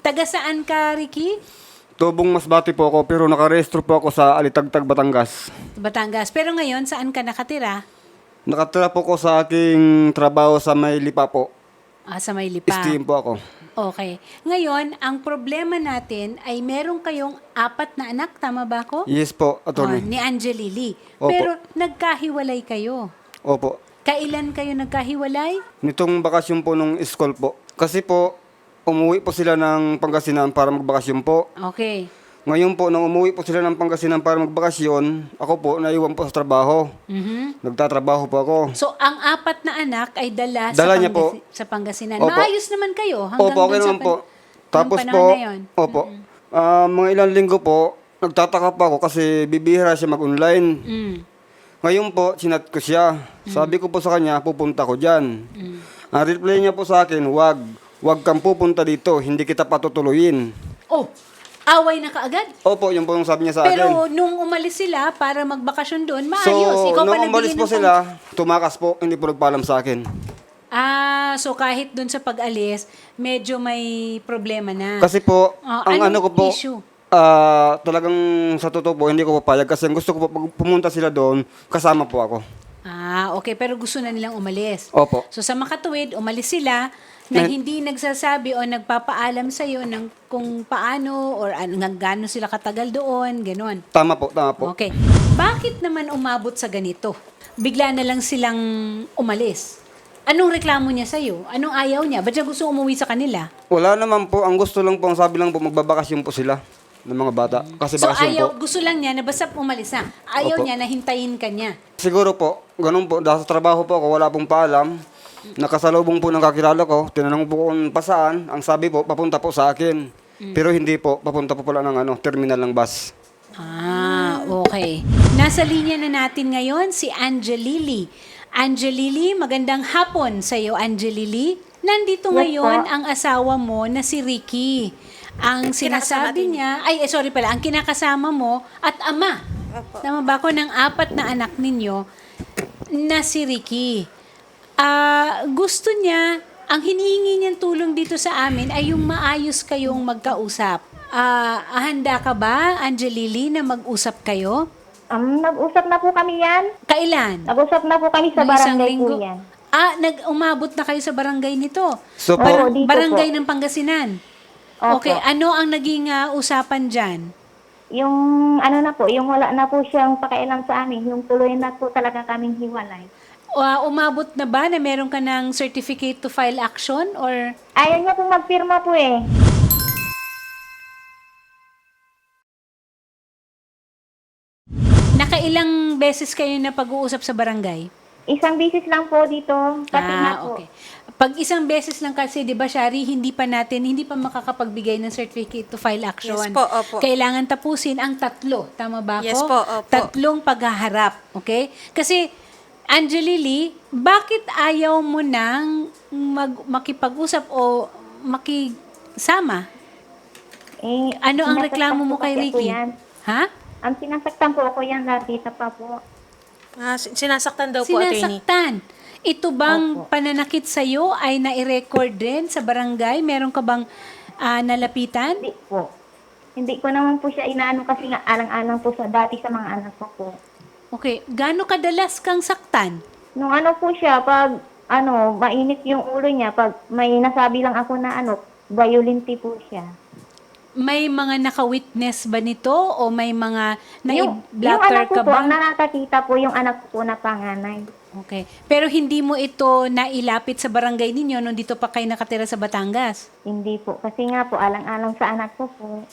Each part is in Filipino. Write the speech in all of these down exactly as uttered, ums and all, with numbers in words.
Taga saan ka, Ricky? Tubong Masbate po ako pero nakarehistro po ako sa Alitagtag, Batangas. Batangas. Pero ngayon, saan ka nakatira? Nakatira po ko sa aking trabaho sa Maylipa po. Ah, sa Maylipang. Steam po ako. Okay. Ngayon, ang problema natin ay meron kayong apat na anak, tama ba ako? Yes po, Oh, attorney. ni Angelili. Opo. Pero nagkahiwalay kayo. Opo. Kailan kayo nagkahiwalay? Nitong bakasyon po nung school po. Kasi po, umuwi po sila ng Pangasinan para magbakasyon po. Okay. Ngayon po, nung umuwi po sila ng Pangasinan para magbakasyon, ako po, naiwan po sa trabaho. Mhm. Nagtatrabaho po ako. So, ang apat na anak ay dala, Dala sa, niya po. sa Pangasinan. Opo. Maayos naman kayo hanggang Opo, okay dun sa naman po. pan- Tapos nung po, panahon na yun. opo, ah, mga ilang linggo po, nagtataka pa ako kasi bibihira siya mag-online. Mm. Ngayon po, sinat ko siya. Sabi ko po sa kanya, pupunta ko dyan. Mm. Ang reply niya po sa akin, wag, wag kang pupunta dito, hindi kita patutuloyin. Oh, away na kaagad. Opo, yun po yung sabi niya sa akin. Pero nung umalis sila para magbakasyon doon, maayos. So, Ikaw pa nung nagbigay umalis ng po pang- sila, tumakas po, hindi po nagpaalam sa akin. Ah, so kahit doon sa pag-alis, medyo may problema na. Kasi po, Oh, ang anong ano ko po, issue? ah, talagang sa totoo po, hindi ko papayag kasi ang gusto ko po, pag pumunta sila doon, kasama po ako. Ah, okay. Pero gusto na nilang umalis. Opo. So sa makatuwid, umalis sila na Na- hindi nagsasabi o nagpapaalam sa iyo ng kung paano or an- hanggang gaano sila katagal doon, gano'n. Tama po, tama po. Okay. Bakit naman umabot sa ganito? Bigla na lang silang umalis. Anong reklamo niya sa iyo? Anong ayaw niya? Ba't siya gusto umuwi sa kanila? Wala naman po, ang gusto lang po, ang sabi lang po, magbabakasyon po sila ng mga bata. Kasi So bakasyon ayaw, po. gusto lang niya na basta umalis na. Ayaw Opo. niya na hintayin ka niya. Siguro po, ganun po, dahil sa trabaho po ako, wala pong paalam. Nakasalubong po ng kakilala ko, tinanong po kung pasaan, ang sabi po, papunta po sa akin. Pero hindi po, papunta po pala ng ano, terminal ng bus. Ah, okay. Nasa linya na natin ngayon si Angelili. Angelili, magandang hapon sa iyo, Angelili. Nandito Yes, ngayon po. ang asawa mo na si Ricky. Ang sinasabi niya, ay eh, sorry pala, ang kinakasama mo at ama. Tama ba ako ng apat na anak ninyo na si Ricky? Ah, gusto niya, ang hinihingi niyang tulong dito sa amin ay yung maayos kayong magkausap. Ah, handa ka ba, Angelili, na mag-usap kayo? Um, nag-usap na po kami yan. Kailan? Nag-usap na po kami sa Nung isang barangay linggo? po yan. Ah, nag-umabot na kayo sa barangay nito. So po, Oo, dito barangay po. ng Pangasinan. Opo. Okay, ano ang naging ah, usapan dyan? Yung ano na po, yung wala na po siyang pakialam sa amin, yung tuloy na po talaga kaming hiwalay. Ah, umabot na ba na meron ka ng certificate to file action or Ayaw niya po magpirma po eh. nakailang beses kayo na pag-uusap sa barangay? Isang bisis lang po dito. Kasi na Ah, po. okay. Pag isang beses lang kasi, di ba, Shari, hindi pa natin, hindi pa makakapagbigay ng certificate to file action. Yes po, opo. Kailangan tapusin ang tatlo. Tama ba ako? Yes po, opo. Tatlong paghaharap. Okay? Kasi, Angelili, bakit ayaw mo nang mag, makipag-usap o makisama? Eh, Ano ang sinasaktan reklamo mo po kay kasi ako Ricky? yan. Ha? Ang sinasaktan po ako yan, Lardita pa po. Ah, sin- sinasaktan daw po, attorney. Sinasaktan. Ito bang Opo. pananakit sa'yo ay nai-record din sa barangay? Meron ka bang ah, nalapitan? Hindi po. Hindi ko naman po siya inaano kasi nga alang-alang po sa dati sa mga anak ko po. Okay. Gaano kadalas kang saktan? Nung ano po siya, pag ano, mainit yung ulo niya, pag may nasabi lang ako na ano, violente po siya. May mga naka-witness ba nito o may mga Yung, yung nai-blatter anak ko ka po, ba? ang nakakakita po yung anak ko po na panganay. Okay. Pero hindi mo ito nailapit sa barangay ninyo nung dito pa kayo nakatira sa Batangas? Hindi po, kasi nga po, alang-alang sa anak ko po.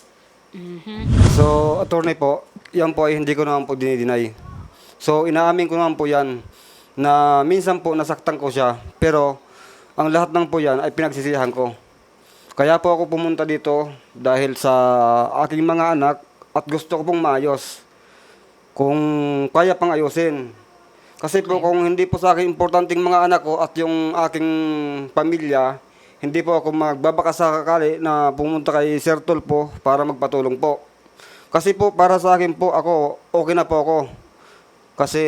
so attorney po, yan po ay hindi ko naman po dinideny. So inaamin ko naman po yan na minsan po nasaktan ko siya, pero ang lahat ng po yan ay pinagsisihan ko. Kaya po ako pumunta dito dahil sa aking mga anak at gusto ko pong maayos. Kung kaya pang ayusin. Kasi po kung hindi po sa akin importanteng mga anak ko at yung aking pamilya, hindi po ako magbabaka sa kakali na pumunta kay Sir Tulfo para magpatulong po. Kasi po para sa akin po ako, okay na po ako. Kasi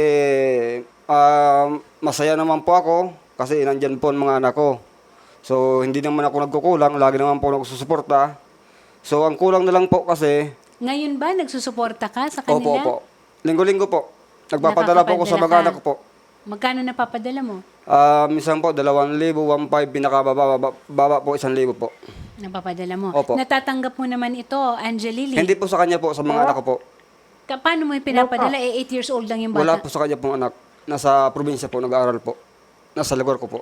ah, masaya naman po ako kasi nandyan po ang mga anak ko. So, hindi naman ako nagkukulang. Lagi naman po ako nagsusuporta. So, ang kulang na lang po kasi, Ngayon ba, nagsusuporta ka sa opo, kanila? opo. Linggo-linggo po. Nagpapadala po ako sa Nakakapadala mga ka. anak ko po. Magkano napapadala mo? Ah, minsan po, dalawang libo, one five, pinakababa, baba, baba po, isang libo po. Napapadala mo. Opo. Natatanggap mo naman ito, Angelili. Hindi po sa kanya po, sa mga anak ko po. Ka- paano mo yung pinapadala? Eh, eight years old lang yung Wala bata. po sa kanya pong anak. Nasa probinsya po, nag-aaral po. Nasa lugar ko po.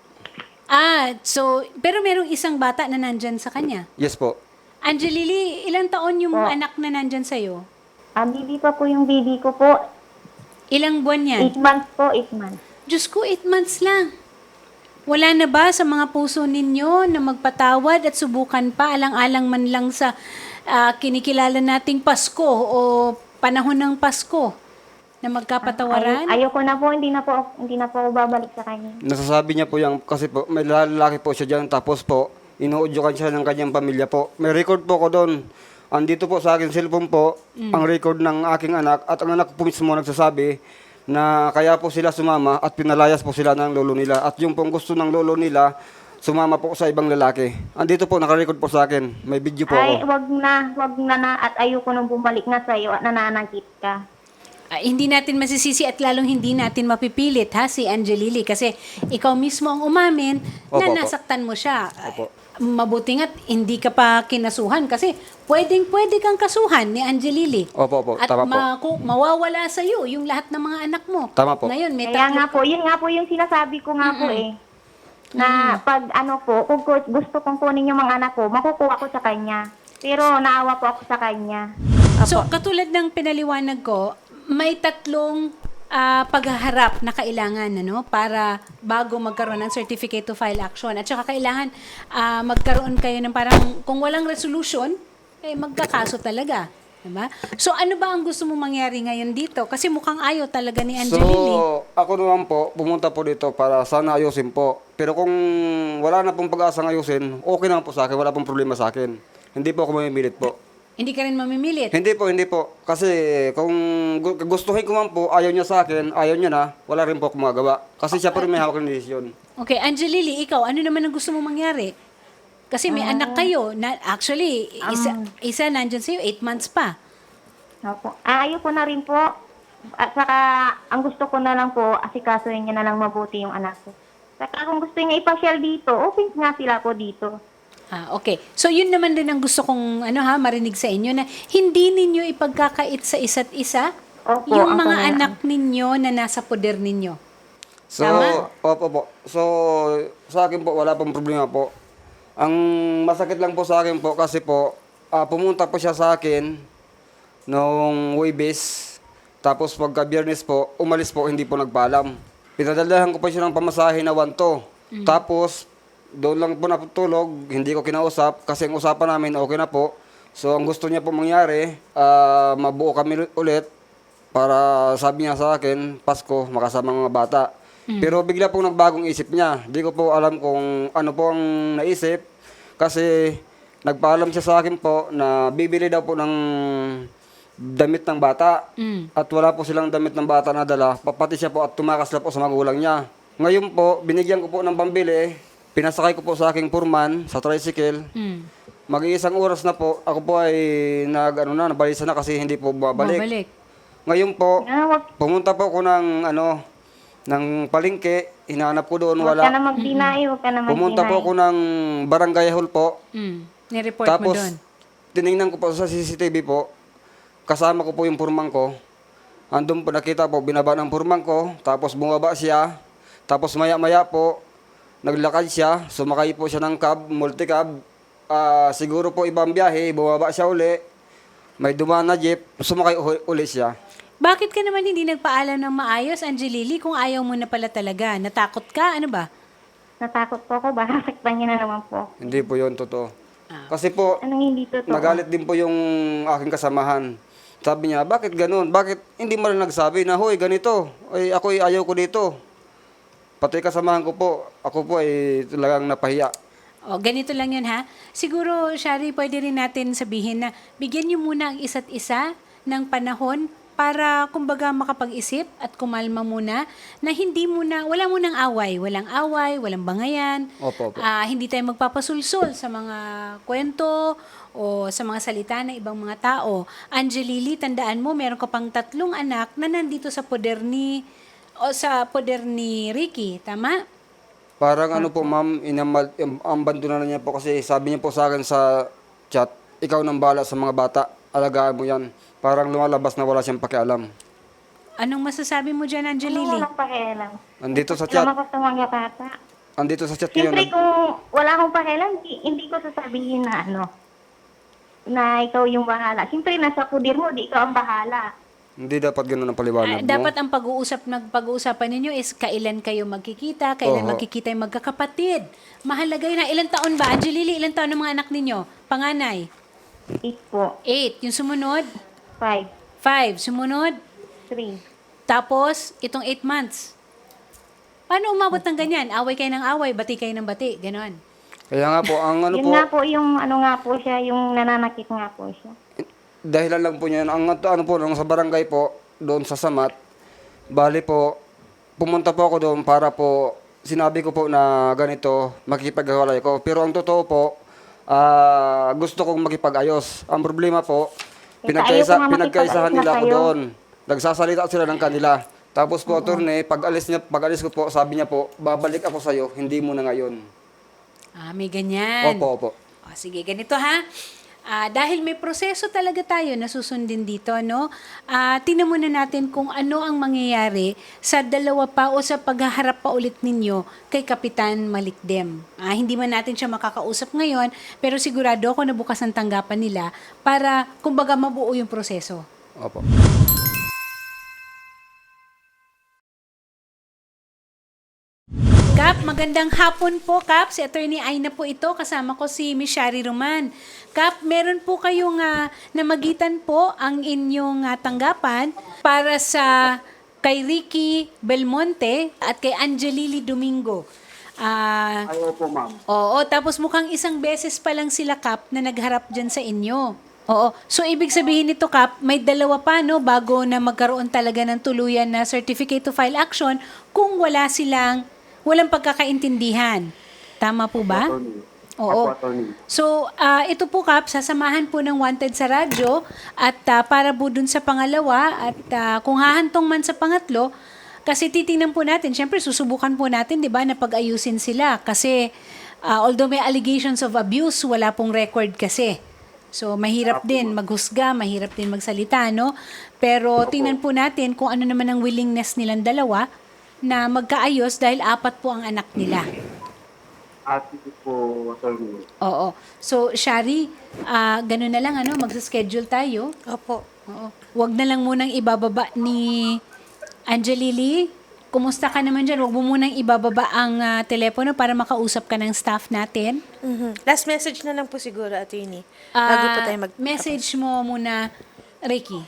Ah, so, pero merong isang bata na nandyan sa kanya. Yes po. Angelili, ilang taon yung anak na nandyan sa'yo? Ah, baby pa po yung baby ko po. Ilang buwan yan? Eight months po, eight months. Diyos ko, eight months lang. Wala na ba sa mga puso ninyo na magpatawad at subukan pa alang-alang man lang sa ah, kinikilala nating Pasko o panahon ng Pasko na magkapatawaran? Ay, ayoko na po, hindi na po, hindi na po ako babalik sa kanya. Nasasabi niya po yan kasi po, may lalaki po siya dyan. Tapos po, inuudyukan siya ng kanyang pamilya po. May record po ko doon. Andito po sa akin cellphone po, ang record ng aking anak. At ang anak po mismo nagsasabi na kaya po sila sumama at pinalayas po sila ng lolo nila. At yung pong gusto ng lolo nila, sumama po sa ibang lalaki. Andito po, nakarecord po sa akin. May video po Ay, ako. wag na, wag na na, at ayoko nang bumalik na sa'yo at nananakit ka. Ah, hindi natin masisisi at lalong hindi natin mapipilit ha si Angelili kasi ikaw mismo ang umamin Opo, na opo. nasaktan mo siya. Opo. Mabuti nga't hindi ka pa kinasuhan kasi pwedeng pwede kang kasuhan ni Angelili. Opo, opo. At Tama po. ma- ku- mawawala sa iyo yung lahat ng mga anak mo. Tama po. Ngayon may Kaya tatlo- nga po, yun nga po yung sinasabi ko nga po eh. Na pag ano po, kung gu- gusto kong kunin yung mga anak ko, makukuha ko sa kanya. Pero naawa po ako sa kanya. So, katulad ng pinaliwanag ko, may tatlong ah, paghaharap na kailangan ano, para bago magkaroon ng certificate to file action. At saka kailangan ah, magkaroon kayo ng parang, kung walang resolution, eh magkakaso talaga. Diba? So, ano ba ang gusto mong mangyari ngayon dito? Kasi mukhang ayaw talaga ni Angelili. So, ako naman po, pumunta po dito para sana ayusin po. Pero kung wala na pong pag-asang ayusin, okay naman po sa akin, wala pong problema sa akin. Hindi po ako mamimilit po. Hindi ka rin mamimilit. Hindi po, hindi po. Kasi kung gu- gustuhin ko man po, ayaw niya sa akin, ayaw niya na, wala rin po ako magawa. Kasi siya po rin may hawak ng desisyon. Okay, Angelili, ikaw, ano naman ang gusto mong mangyari? Kasi may anak kayo. Na, actually, isa, isa nandyan sa'yo, eight months pa. Opo. Ah, ayoko na rin po. At saka, ang gusto ko na lang po, asikasuhin niya na lang mabuti yung anak ko. Saka kung gusto niya ipasyal dito, okay nga sila po dito. Ah, okay. So, yun naman din ang gusto kong ano ha, marinig sa inyo na hindi ninyo ipagkakait sa isa't isa Opo, yung ang mga pangyayari. anak ninyo na nasa poder ninyo. So, Tama? opo po. So, sa akin po, wala pong problema po. Ang masakit lang po sa akin po, kasi po, ah, pumunta po siya sa akin noong Huwebes. Tapos pagka Biyernes po, umalis po, hindi po nagpaalam. Pinadalahan ko pa siya ng pamasahe na wanto. Tapos, doon lang po natutulog, hindi ko kinausap kasi ang usapan namin okay na po. So ang gusto niya po mangyari, ah, mabuo kami ulit para sabi niya sa akin, Pasko, makasama ang mga bata. Pero bigla pong nagbagong isip niya. Hindi ko po alam kung ano po ang naisip kasi nagpaalam siya sa akin po na bibili daw po ng damit ng bata. Mm. At wala po silang damit ng bata na dala. Papati siya po at tumakas na po sa magulang niya. Ngayon po, binigyan ko po ng pambili. Pinasakay ko po sa aking purman sa tricycle. Mm. Mag-iisang oras na po, ako po ay nag, ano na, nabalisa na kasi hindi po babalik. Babalik. Ngayon po, Ah, wag, pumunta po ako ng, ano, ng palengke. Hinanap ko doon, wag ka na wala. mag-deny, wag ka na mag-deny. Pumunta po ako ng barangay hall po. Mm. Nireport mo Tapos, doon. tinignan ko po sa C C T V po. Kasama ko po yung purman ko. Andun po nakita po, binaba ng purman ko. Tapos bumaba siya. Tapos maya-maya po, naglakad siya. Sumakay po siya ng cab, multi-cab. Ah, siguro po ibang biyahe, bumaba siya uli. May dumaan na jeep, sumakay u- uli siya. Bakit ka naman hindi nagpaalam ng maayos, Angelili, kung ayaw mo na pala talaga? Natakot ka? Ano ba? Natakot po ako, baka saktan niya na naman po. Hindi po yun totoo. Kasi po, Anong hindi totoo? nagalit din po yung aking kasamahan. Sabi niya, bakit ganun? Bakit hindi mo rin nagsabi na, hoy, ganito. Ay, ako ay ayaw ko dito. Pati kasamahan ko po, ako po ay talagang napahiya. O, ganito lang yun ha. Siguro, Shari, pwede rin natin sabihin na bigyan niyo muna ang isa't isa ng panahon para kumbaga makapag-isip at kumalma muna na hindi muna, wala munang away, walang away, walang bangayan. Opo, opo. Ah, hindi tayo magpapasulsul sa mga kwento o sa mga salita ng ibang mga tao. Angelili, tandaan mo, meron ka pang tatlong anak na nandito sa poder ni o sa poder ni Ricky, tama? Parang ano po, ma'am, inamal, ambando na niya po kasi sabi niya po sa akin sa chat, ikaw nang bala sa mga bata, alagaan mo yan. Parang lumalabas na wala siyang pakialam. Anong masasabi mo dyan, Ano Angelili? walang pakialam? Andito sa chat, Lumabas ng mga bata. andito sa chat ngayon. Siyempre kung wala akong pakialam, hindi, hindi ko sasabihin na ano, na ikaw yung bahala. Siyempre nasa kudir mo, di ikaw ang bahala. Hindi dapat ganun ang Ah, paliwanag mo. dapat ang pag-uusap nagpag-uusapan ninyo is kailan kayo magkikita, kailan Oho. magkikita yung magkakapatid. Mahalaga yun. na ilang taon ba? Angelili, ilang taon ng mga anak ninyo? Panganay? Eight po. Eight. Yung sumunod? Five. Five. Sumunod? Three. Tapos, itong eight months. Paano umabot ng ganyan? Away kayo ng away, bati kayo ng bati. Ganon. Kaya nga po, ang ano Yun po, nga po yung ano nga po siya, yung nananakit nga po siya. dahilan lang po niyan, ang ano po, nung sa barangay po, doon sa Samat, bali po, pumunta po ako doon para po, sinabi ko po na ganito, makikipaghiwalay ko. Pero ang totoo po, ah, gusto kong makipag-ayos. Ang problema po, Eh, pinagkaisa, ayaw ko nga pinagkaisahan makipag-ayos nila na ako kayo. doon. Nagsasalita sila ng kanila. Tapos po, attorney, pag alis niya, pag alis ko po, sabi niya po, babalik ako sa'yo, hindi mo na ngayon. Ah, may ganyan. Opo, opo. O, sige, ganito ha. Ah, dahil may proseso talaga tayo na susundin dito, no? Ah, tingnan muna natin kung ano ang mangyayari sa dalawa pa o sa paghaharap pa ulit ninyo kay Kapitan Malikdem. Ah, hindi man natin siya makakausap ngayon, pero sigurado ako na bukas ang tanggapan nila para, kumbaga, mabuo yung proseso. Opo. Kap, magandang hapon po, Kap. Si Attorney Aina po ito. Kasama ko si Miss Shari Roman. Kap, meron po kayong uh, namagitan po ang inyong uh, tanggapan para sa kay Ricky Belmonte at kay Angelili Domingo. Ah, Ayaw po, ma'am. oo, tapos mukhang isang beses pa lang sila, Kap, na nagharap dyan sa inyo. Oo. So, ibig sabihin nito, Kap, may dalawa pa, no, bago na magkaroon talaga ng tuluyan na certificate to file action kung wala silang walang pagkakaintindihan. Tama po ba? Oo. So, ah, ito po, Kap, sasamahan po ng Wanted sa radyo at ah, para po dun sa pangalawa at ah, kung hahantong man sa pangatlo, kasi titingnan po natin, syempre susubukan po natin, di ba, na pag-ayusin sila. Kasi ah, although may allegations of abuse, wala pong record kasi. So, mahirap din maghusga, mahirap din magsalita, no? Pero tingnan po natin kung ano naman ang willingness nilang dalawa na magkaayos dahil apat po ang anak nila. At po, attorney. Oo. So, Shari, ah ganun na lang, ano, magsa-schedule tayo. Opo. Oo. Huwag na lang munang ibababa ni Angelili. Kumusta ka naman dyan? Huwag mo munang ibababa ang ah, telepono para makausap ka ng staff natin. Mhm. Last message na lang po siguro, attorney. Ah, Bago po tayo mag... message mo muna, Ricky.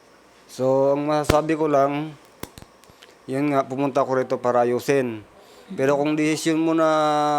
So, ang masasabi ko lang, yun nga, pumunta ko rito para ayusin. Pero kung desisyon mo na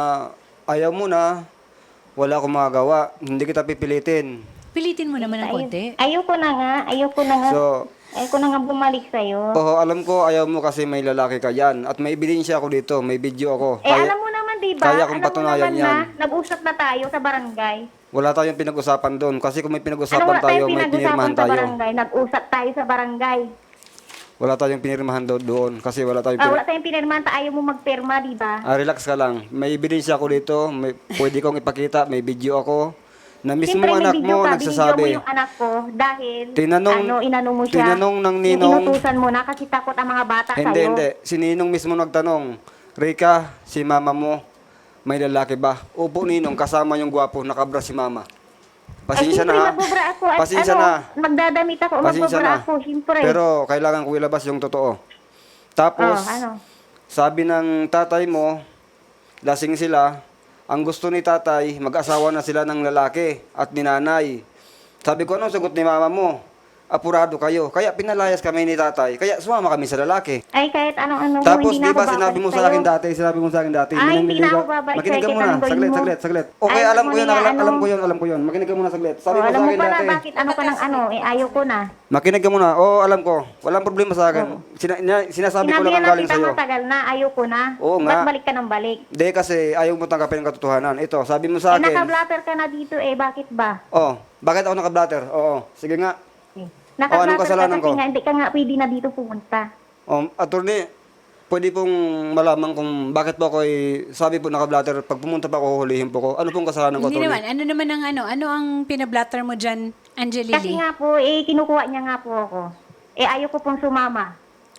ayaw mo na, wala akong magagawa. Hindi kita pipilitin. Pilitin mo naman ng konti. Ayoko na nga, ayoko na nga. So, ayoko na nga bumalik sa'yo. oo, alam ko ayaw mo kasi may lalaki ka yan. At may ebidensya ako dito, may video ako. Eh, alam mo naman, di ba? kaya kong Alam mo patunayan naman yan. na, nag-usap na tayo sa barangay. Wala tayong pinag-usapan doon. Kasi kung may Ano pinag-usapan wala tayo, tayong may pinag-usapan pinirmahan sa tayo. barangay? Nag-usap tayo sa barangay. Wala tayong pinirmahan do- doon. Kasi wala tayong Ah, pin- wala tayong pinirmahan, ta ayaw mo magpirma, di ba? Ah, relax ka lang. May ebidensya ako dito. May, pwede kong ipakita. May video ako. Na mismo Siyempre, may anak video mo ka, nagsasabi. binidyo mo yung anak ko dahil Tinanong- ano, inano mo siya. tinanong ng Yung ninong- inutusan mo na kasi takot ang mga bata Hindi, sa'yo. hindi. Si Ninong mismo nagtanong, Rika, si mama mo, may lalaki ba? Upo, Ninong, kasama yung gwapo, nakabra si mama. Pasensya Ay, siyempre, na ha. magbubra ako. At Pasensya ano, na. magdadamit ako, Pasensya magbubra na. ako, siyempre. Pero kailangan ko ilabas yung totoo. Tapos, Oh, ano? sabi ng tatay mo, lasing sila, ang gusto ni tatay, mag-asawa na sila ng lalaki at ni nanay. Sabi ko, anong sagot ni mama mo? apurado kayo. Kaya pinalayas kami ni tatay. Kaya sumama kami sa lalaki. Ay, kahit anong-ano mo, Tapos, hindi di na ako ba sinabi mo babalik sa akin sa'yo. dati, sinabi mo sa akin dati. Ay, may hindi na nangliligaw. ako babalik Makinig ka sa'yo, muna. kahit anong Saglit, gawin mo. saglit, saglit. Okay, Ay, alam mo ko yun, niya, alam, ano? alam ko yun, alam ko yun. Makinig ka muna saglit. Sabi Oh, mo alam sa mo akin pala dati. bakit ano ka ng ano, eh, ayaw ko na. Makinig ka muna. Oo, alam ko. Walang problema sa akin. Sina- ina- sinasabi ko Sinabi lang ang na galing kita sa'yo. matagal na, ayaw ko na. Oo nga. Ba't balik ka ng balik? Hindi kasi ayaw mo tanggapin ang katotohanan. Ito, sabi mo sa Eh, akin. naka-blatter ka na dito eh, bakit ba? Oh, bakit ako naka-blatter? Oo, sige nga. Eh, Oh, anong Naka-blatter ka kasalanan kasi ko? nga, hindi ka nga pwede na dito pumunta. Um, attorney, pwede pong malaman kung bakit po ako ay, sabi po naka-blatter, pag pumunta pa ako, huhulihin po ko. Ano pong kasalanan ko, Hindi attorney? naman. Ano naman ang ano? Ano ang pinablatter mo dyan, Kasi Angelili? nga po, eh, kinukuha niya nga po ako. Eh, ayaw ko pong sumama.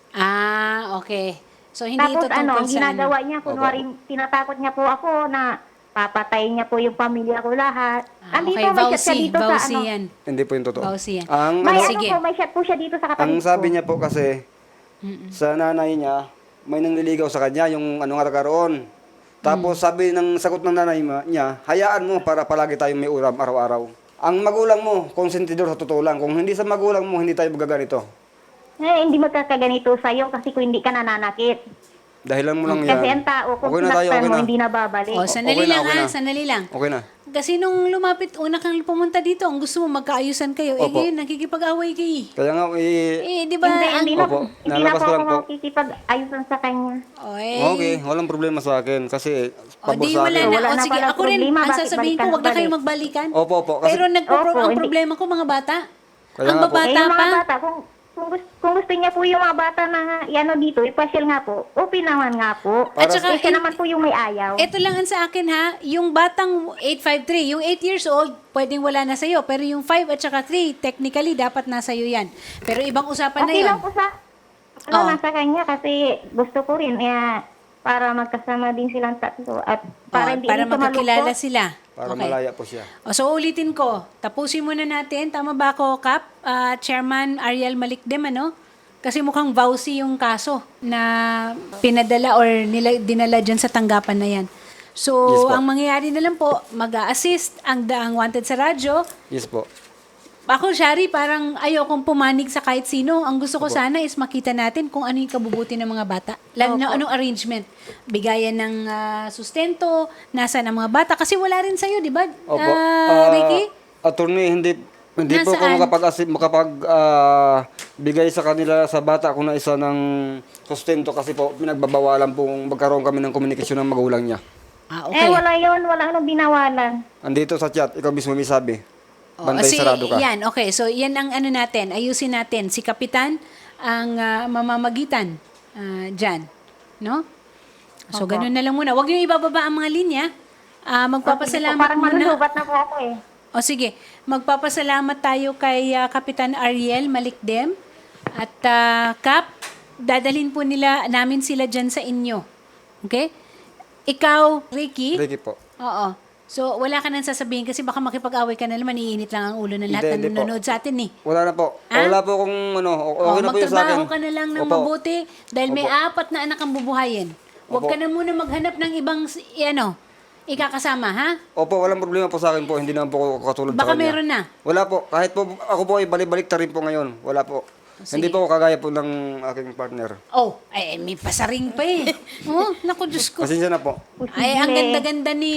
Ah, okay. So, hindi Tapos ito ano, tungkol ang sa ginagawa ano. niya, kunwari, tinatakot niya po ako na papatayin niya po yung pamilya ko lahat. Ah, Andito, okay, may chat siya Vauci. dito Vauci sa ano. yan. Hindi po yung totoo. Vauci yan. Ang, May ano, ano Sige. po, may chat po siya dito sa ang katabi sabi ko. niya po kasi, sa nanay niya, may nangliligaw sa kanya, yung ano nga nagkaroon. Tapos sabi ng sagot ng nanay ma- niya, hayaan mo para palagi tayong may ulam araw-araw. Ang magulang mo, konsentidor sa totoo lang. Kung hindi sa magulang mo, hindi tayo magaganito. Eh, hindi magkakaganito sa'yo kasi kung hindi ka nananakit. Dahilan mo lang yan. Kasi ang tao, kung Okay na tayo, sinaktan okay mo, na. hindi na babalik. O, sandali okay na, lang okay ha, na. sandali lang. Okay na. Kasi nung lumapit, una kang pumunta dito, ang gusto mo magkaayusan kayo, eh Opo. ngayon, nakikipag-away kayo. Kaya nga, eh, Eh, di ba? Hindi, ang, hindi na, Opo, hindi na nalabas po ko lang ako po. makikipag-ayusan sa kanya. o, eh, okay, walang problema sa akin. Kasi, O, pabor di sa wala akin. na. Wala O, na sige, pala ako rin, problema, ang bakit sasabihin ko, balikan wag na balik? kayo magbalikan. Opo, opo. Kasi, Pero nagpo- Opo, ang hindi- problema ko, mga bata, Kaya ang nga po. babata eh, yung pa, mga bata, kung, kung, gusto, kung gusto niya po yung mga bata na ano dito, ipasyal nga po, open naman nga po. At saka, eh, siya eh, naman po yung may ayaw. ito lang ang sa akin ha, yung batang eight five three, yung eight years old, pwedeng wala na sa'yo. Pero yung five at saka three, technically, dapat na sa'yo yan. Pero ibang usapan na Okay yun. lang po sa, ano, Oo. nasa kanya kasi gusto ko rin, eh, para magkasama din silang tatlo at para O, hindi para dito magkakilala malungkot. sila. para Okay. malaya po siya. O, so ulitin ko, tapusin muna natin. Tama ba ako, Kap? Ah, Chairman Ariel Malikdem, ano? Kasi mukhang vowsy yung kaso na pinadala or nila, dinala dyan sa tanggapan na yan. So, Yes po. ang mangyayari na lang po, mag-a-assist ang, ang wanted sa radyo. Yes po. Ako, Shari, parang ayaw kong pumanig sa kahit sino. Ang gusto ko sana is makita natin kung ano yung kabubuti ng mga bata. Lalo na anong arrangement. Bigayan ng ah, sustento, nasa ng mga bata. Kasi wala rin sa'yo, di ba, Opo. Ah, Ah, Ricky? Attorney, hindi hindi po Nasaan? ako makapag makapag ah, bigay sa kanila sa bata kung na isa ng sustento kasi po pinagbabawalan po magkaroon kami ng komunikasyon ng magulang niya. Ah, Eh, okay. wala yun, wala nang binawalan. Andito sa chat, ikaw mismo may sabi. Oh, Bantay kasi sarado ka. Yan, okay. So, yan ang ano natin. Ayusin natin. Si Kapitan ang ah, mamamagitan ah, dyan. No? So, Opo. ganun na lang muna. Huwag niyo ibababa ang mga linya. Ah, magpapasalamat Parang muna. malulubat na po ako eh. O sige, magpapasalamat tayo kay ah, Kapitan Ariel Malikdem. At ah, Kap, dadalhin po nila namin sila dyan sa inyo. Okay? Ikaw, Ricky. Ricky po. Oo. So, wala ka nang sasabihin kasi baka makipag-away ka na naman, iinit lang ang ulo ng lahat Hindi, na hindi po. nanonood sa atin eh. Wala na po. Ah? Wala po kung ano, okay Oh, na po yun sa akin. magtrabaho ka na lang ng Opo. mabuti dahil may Opo. apat na anak ang bubuhayin. Huwag Opo. ka na muna maghanap ng ibang, s- i- ano, ikakasama, ha? Opo, walang problema po sa akin po. Hindi naman po ako katulad Baka sa kanya. meron na. Wala po. Kahit po ako po ay balik-balik ta rin po ngayon. Wala po. Sige. Hindi po ako kagaya po ng aking partner. Oh, ay, may pasaring pa eh. Oh, naku, Diyos ko. Pasensya na po. Ay, ang ganda-ganda ni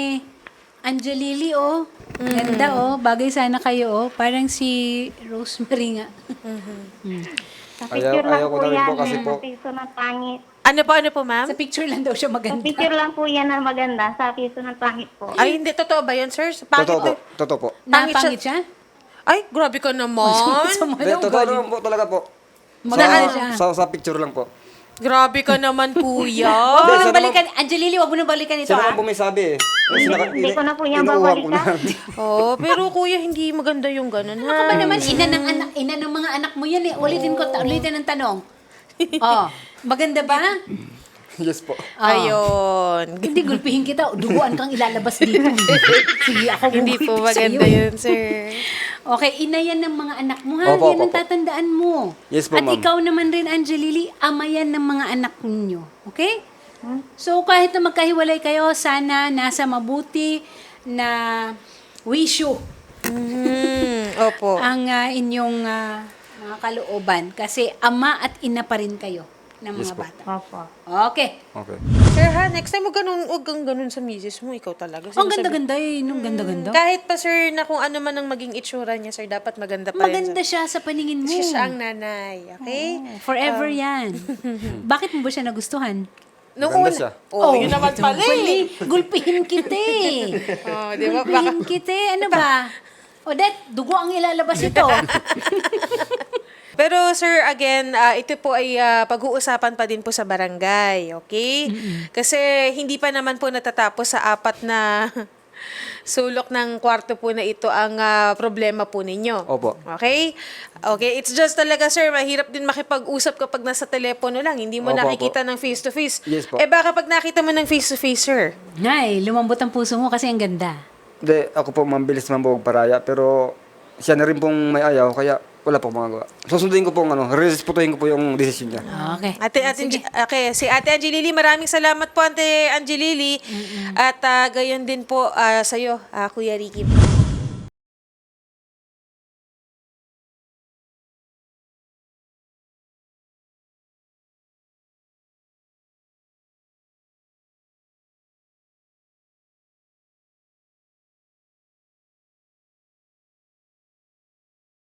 Angelili, oh. Ganda, oh. Bagay sana kayo, oh. Parang si Rosemary nga. Mm. Sa Ayaw- picture lang ayaw ko po na rin yan. po kasi Sa po. piso ng pangit. Ano po, ano po, ma'am? Sa picture lang daw siya Sa maganda. picture lang po yan na maganda. Sa piso ng pangit po. Ay, hindi. Totoo ba yun, sir? Pangit Totoo po. na- Totoo po. Napangit siya? Ay, grabe ka naman. Sa Hindi, mga totoo naman po talaga po. Maganda Sa, siya. sa, sa picture lang po. Grabe ka naman, kuya. Huwag mo Hindi, nang siya balikan. Angelili, huwag mo nang balikan ito, Siya ha? naman po may sabi eh. Hindi- Sinaka- hindi ko na po yan inuuha ko na. babalikan. Oh, pero kuya, hindi maganda yung ganun, Ano ka ba ha? naman? Ina ng, anak, ina ng mga anak mo yan, eh. Ulitin ko, ta- ulitin ang tanong. Oh, maganda ba? Yes po. Ah. Ayun. Hindi, gulpihin kita. Duguan kang ilalabas dito. Sige, ako Hindi po gugulpi sa'yo. maganda yun, sir. Okay, ina yan ng mga anak mo, ha? Opo, yan ang opo, opo. tatandaan mo. Yes po, At ma'am. ikaw naman rin, Angelili, ama yan ng mga anak ninyo. Okay? So, kahit na magkahiwalay kayo, sana nasa mabuti na wisyo. Hmm. Opo. ang ah, inyong ah, mga kalooban. Kasi ama at ina pa rin kayo ng mga Yes po. bata. Opo. Okay. Okay. Sir ha, next time huwag ganun, huwag kang ganun sa misis mo. Ikaw talaga. Ang Sinasabi- ganda-ganda eh. Nung ganda-ganda. Kahit pa sir, na kung ano man ang maging itsura niya, sir, dapat maganda pa rin. Maganda siya sa paningin mo. Siya siya ang nanay, okay? Oo, forever yan. Bakit mo ba siya nagustuhan? Nung Maganda una- siya. Oh, yun naman pala eh. Pali, gulpihin kita eh. Oh, di ba? Baka, Gulpihin kita eh. Ano ba? Odette, dugo ang ilalabas ito. pero sir, again, ah, ito po ay ah, pag-uusapan pa din po sa barangay, okay? Kasi hindi pa naman po natatapos sa apat na sulok ng kwarto po na ito ang ah, problema po ninyo. Opo. Okay? Okay, it's just talaga sir, mahirap din makipag-usap kapag nasa telepono lang. Hindi mo Opo, nakikita ng face-to-face. Yes po. Eh baka pag nakita mo ng face-to-face, sir. Nay, lumambot ang puso mo kasi ang ganda. Hindi, ako po mabilis man po paraya, pero siya na rin pong may ayaw, kaya wala po magagawa. Susundin ko po ang ano, respetuhin ko po yung desisyon niya. Okay. Ate, ate, okay, si Ate Angelili, maraming salamat po Ate Angelili. At ah, gayon din po ah, sa'yo, ah, Kuya Ricky.